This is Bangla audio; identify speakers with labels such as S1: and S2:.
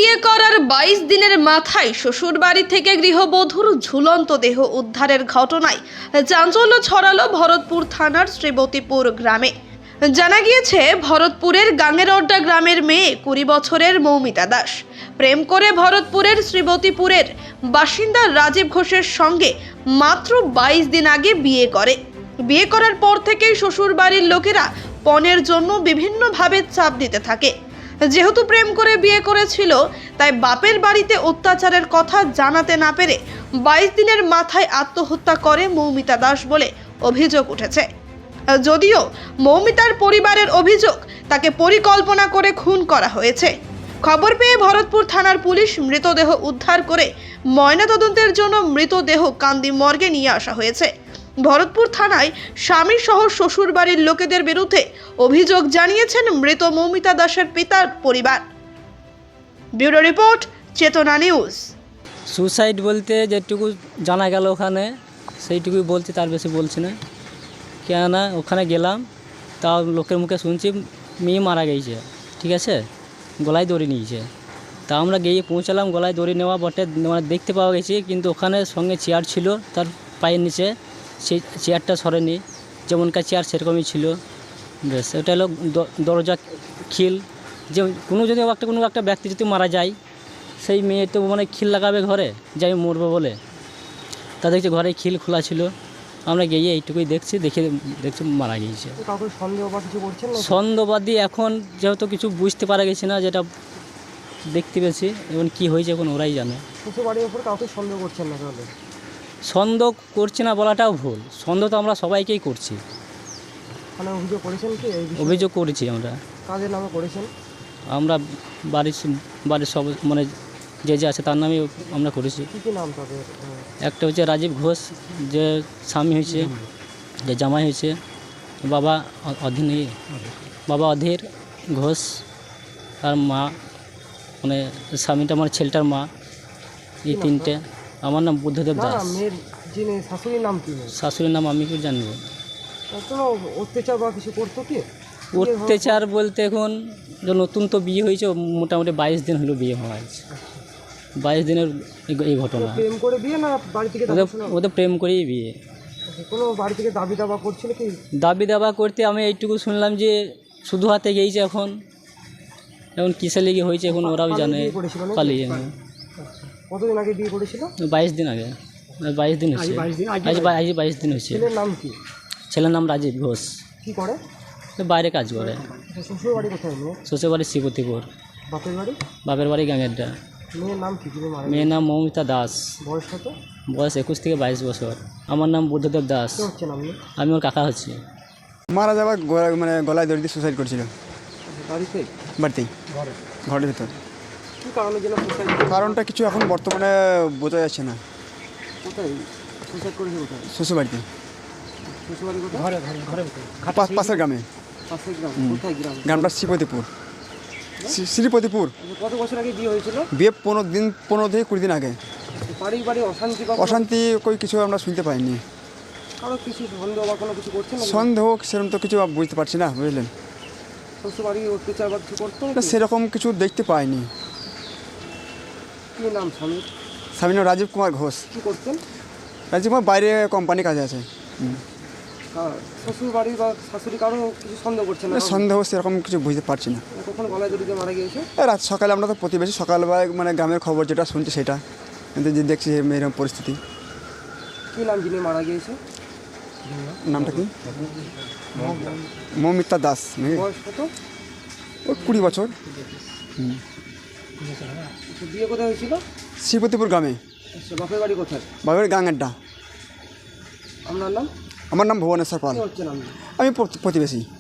S1: বিয়ে করার 22 দিনের মাথায় শ্বশুরবাড়ি থেকে গৃহবধূর ঝুলন্ত দেহ উদ্ধারের ঘটনায় চাঞ্চল্য ছড়ালো ভরতপুর থানার শ্রীবতীপুর গ্রামে। জানা গিয়েছে, ভরতপুরের গাঙ্গেরড্ডা গ্রামের মেয়ে 20 বছরের মৌমিতা দাস প্রেম করে ভরতপুরের শ্রীবতীপুরের বাসিন্দা রাজীব ঘোষের সঙ্গে মাত্র 22 দিন আগে বিয়ে করে। বিয়ে করার পর থেকেই শ্বশুরবাড়ির লোকেরা পণের জন্য বিভিন্নভাবে চাপ দিতে থাকে। যেহেতু প্রেম করে বিয়ে করেছিল, তাই বাপের বাড়িতে অত্যাচারের কথা জানাতে না পেরে 22 দিনের মাথায় আত্মহত্যা করে মৌমিতা দাস বলে অভিযোগ উঠেছে। যদিও মৌমিতার পরিবারের অভিযোগ, তাকে পরিকল্পনা করে খুন করা হয়েছে। খবর পেয়ে ভরতপুর থানার পুলিশ মৃতদেহ উদ্ধার করে ময়নাতদন্তের জন্য মৃতদেহ কান্দি মর্গে নিয়ে আসা হয়েছে। ভরতপুর থানায় স্বামী সহ শ্বশুর বাড়ির লোকেদের বিরুদ্ধে অভিযোগ জানিয়েছেন মৃত মৌমিতা দাসের পিতার পরিবার। Bureau report, Chetana news.
S2: Suicide বলতে যেটুকু জানা গেল ওখানে সেইটুকুই বলছি, তার বেশি বলছি না। কেননা ওখানে গেলাম, তাও লোকের মুখে শুনছি মেয়ে মারা গেছে, ঠিক আছে, গলায় দড়ি নিয়েছে। তা আমরা গিয়ে পৌঁছালাম, গলায় দড়ি নেওয়া বটে মানে দেখতে পাওয়া গেছে, কিন্তু ওখানে সঙ্গে চেয়ার ছিল তার পায়ের নিচে, সেই চেয়ারটা সরেনি, যেমনকার চেয়ার সেরকমই ছিল। বেশ, ওটা হলো দরজা খিল, যে কোনো একটা ব্যক্তি যদি মারা যায়, সেই মেয়ে তো মানে খিল লাগাবে ঘরে, যে আমি মরবো বলে। তা দেখছি ঘরে খিল খোলা ছিল। আমরা গিয়ে এইটুকুই দেখছি মারা গিয়েছে। সন্দেহবাদী এখন যেহেতু কিছু বুঝতে পারা গেছে না, যেটা দেখতে পেয়েছি, এবং কী হয়েছে এখন ওরাই জানে। সন্দেহ করছি না বলাটাও ভুল, সন্দেহ তো আমরা সবাইকেই করছি। অভিযোগ করেছি আমরা।
S3: কাদের নামে করেছেন?
S2: আমরা বাড়ির সব মানে যে আছে তার নামে আমরা করেছি।
S3: কী নাম তাদের?
S2: একটা হচ্ছে রাজীব ঘোষ, যে স্বামী হয়েছে, যে জামাই হয়েছে, বাবা অধীর ঘোষ, আর মা মানে স্বামীটা আমার ছেলেটার মা। এই তিনটে। আমার নাম বুদ্ধদেব দাস।
S3: শাশুড়ির নাম কি?
S2: শাশুড়ির নাম আমি কি জানবো।
S3: কোনো অত্যাচার বা কিছু করতো কি?
S2: অত্যাচার বলতে এখন নতুন তো বিয়ে হয়েছে, মোটামুটি 22 দিন হলো বিয়ে হওয়া হয়েছে। 22 দিনের এই ঘটনা।
S3: প্রেম করে বিয়ে না বাড়ি থেকে?
S2: ওদের প্রেম করেই বিয়ে।
S3: কোনো বাড়ি থেকে দাবি দাবা করছিল কি?
S2: দাবি দাবা করতে আমি এইটুকু শুনলাম যে শুধু হাতে গিয়েছে। এখন কিসে লেগে হয়েছে এখন ওরাও জানে। পালিয়ে।
S3: কতদিন আগে বিয়ে করেছিল?
S2: 22 দিন আগে। 22 দিন হয়েছে। আজ 22 দিন হয়েছে।
S3: ছেলের নাম কি?
S2: ছেলের নাম রাজীব ঘোষ।
S3: কী করে?
S2: বাইরে কাজ করে।
S3: শ্বশুর বাড়ি কোথায়?
S2: শ্বশুর বাড়ি শ্রীবতীপুর।
S3: বাপের বাড়ি?
S2: বাপের বাড়ি গাঙ্গেরড্ডা।
S3: মেয়ের নাম কি?
S2: মেয়ের নাম মৌমিতা দাস।
S3: বয়স কত?
S2: বয়স 21 থেকে 22 বছর। আমার নাম বুদ্ধদেব দাস। আমি ওর কাকা হচ্ছি।
S4: মারা যাওয়ার মানে গলায় দড়ি দিয়ে সুসাইড করেছিল। বাড়িতেই, ঘরের ভিতর।
S3: কী কারণের জন্য সুসাইড?
S4: কারণটা কিছু এখন বর্তমানে বোঝা যাচ্ছে না।
S3: কোথায় সুসাইড করেছে? কোথায়?
S4: শ্বশুরবাড়িতে।
S3: শ্বশুরবাড়ি কোথায়? ঘরে
S4: পাশের গ্রামে।
S3: পাশের গ্রাম? কোথায় গ্রাম?
S4: গ্রামটা শ্রীপতিপুর। শ্রীপতিপুর।
S3: কত বছর আগে বিয়ে হয়েছিল?
S4: বিয়ে 15 থেকে 20 দিন আগে।
S3: বাড়ি অশান্তি?
S4: অশান্তি কিছু আমরা শুনতে পাইনি।
S3: কারো কিছু সন্দেহ বা কোনো কিছু করছেন?
S4: সন্দেহ সেরকম তো কিছু বুঝতে পারছি না, বুঝলেন।
S3: শ্বশুরবাড়ি অত্যাচার বা কিছু করতো?
S4: সেরকম কিছু দেখতে পাইনি।
S3: কী নাম স্বামীর?
S4: স্বামীর নাম রাজীব কুমার ঘোষ।
S3: কী করতেন?
S4: রাজীব কুমার বাইরে কোম্পানি কাজে আছে।
S3: শ্বশুর বাড়ি বা শাশুড়ি কারো কিছু সন্দেহ করছে না?
S4: সন্দেহ সেরকম কিছু বুঝতে পারছি না।
S3: কখন গলায় দড়ি দিয়ে মারা গিয়েছে?
S4: রাত সকালে, আমরা তো প্রতিবেশী, সকালবেলায় মানে গ্রামের খবর যেটা শুনছি সেটা, কিন্তু যে দেখছি এরকম পরিস্থিতি।
S3: কী নাম যিনি মারা গিয়েছে?
S4: নামটা কি? মৌমিতা দাস।
S3: বয়স কত?
S4: 20 বছর।
S3: বিয়ে কোথায় হয়েছিল?
S4: শ্রীপতিপুর গ্রামে।
S3: বাপের বাড়ি কোথায়?
S4: বাপের গাঙ্গেরড্ডা।
S3: আপনার নাম?
S4: আমার নাম ভুবনেশ্বর পাল।
S3: হচ্ছে নাম?
S4: আমি প্রতিবেশী।